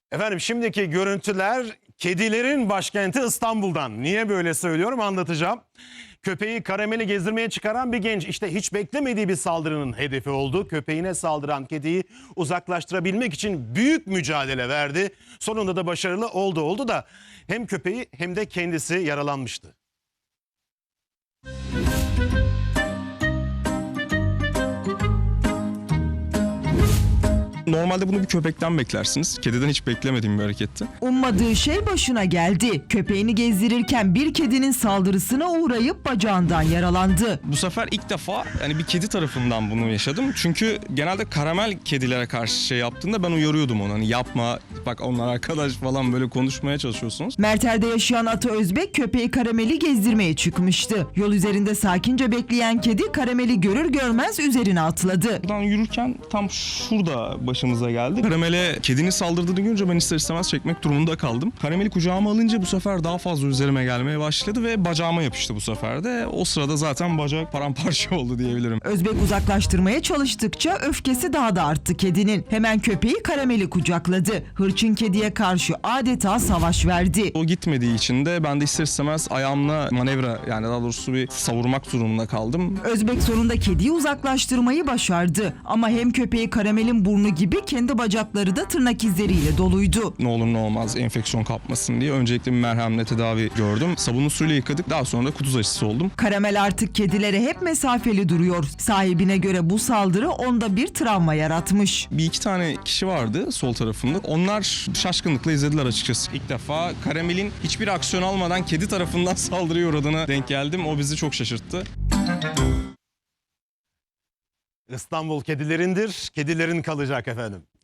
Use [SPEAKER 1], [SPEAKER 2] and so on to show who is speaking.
[SPEAKER 1] Efendim şimdiki görüntüler kedilerin başkenti İstanbul'dan. Niye böyle söylüyorum anlatacağım. Köpeği karameli gezdirmeye çıkaran bir genç işte hiç beklemediği bir saldırının hedefi oldu. Köpeğine saldıran kediyi uzaklaştırabilmek için büyük mücadele verdi. Sonunda da başarılı oldu da hem köpeği hem de kendisi yaralanmıştı.
[SPEAKER 2] Normalde bunu bir köpekten beklersiniz. Kediden hiç beklemediğim bir hareketti.
[SPEAKER 3] Ummadığı şey başına geldi. Köpeğini gezdirirken bir kedinin saldırısına uğrayıp bacağından yaralandı.
[SPEAKER 2] Bu sefer ilk defa bir kedi tarafından bunu yaşadım. Çünkü genelde karamel kedilere karşı şey yaptığında ben uyarıyordum onu. Hani yapma, bak onlar arkadaş falan böyle konuşmaya çalışıyorsunuz.
[SPEAKER 3] Merter'de yaşayan Ata Özbek köpeği Karamel'i gezdirmeye çıkmıştı. Yol üzerinde sakince bekleyen kedi Karamel'i görür görmez üzerine atladı.
[SPEAKER 2] Buradan yürürken tam şurada başımıza geldi. Karamel'e kedinin saldırdığını görünce ben ister istemez çekmek durumunda kaldım. Karamel'i kucağıma alınca bu sefer daha fazla üzerime gelmeye başladı ve bacağıma yapıştı bu sefer de. O sırada zaten bacak paramparça oldu diyebilirim.
[SPEAKER 3] Özbek uzaklaştırmaya çalıştıkça öfkesi daha da arttı kedinin. Hemen köpeği Karamel'i kucakladı. Hırçın kediye karşı adeta savaş verdi.
[SPEAKER 2] O gitmediği için de ben de ister istemez ayağımla manevra daha doğrusu bir savurmak durumunda kaldım.
[SPEAKER 3] Özbek sonunda kediyi uzaklaştırmayı başardı. Ama hem köpeği Karamel'in burnu gibi kendi bacakları da tırnak izleriyle doluydu.
[SPEAKER 2] Ne olur ne olmaz enfeksiyon kapmasın diye öncelikle bir merhemle tedavi gördüm. Sabunlu suyla yıkadık. Daha sonra da kuduz aşısı oldum.
[SPEAKER 3] Karamel artık kedilere hep mesafeli duruyor. Sahibine göre bu saldırı onda bir travma yaratmış.
[SPEAKER 2] Bir iki tane kişi vardı sol tarafında. Onlar şaşkınlıkla izlediler açıkçası. İlk defa Karamel'in hiçbir aksiyon almadan kedi tarafından saldırıya uğradığına denk geldim. O bizi çok şaşırttı.
[SPEAKER 1] İstanbul kedilerindir, kedilerin kalacak efendim.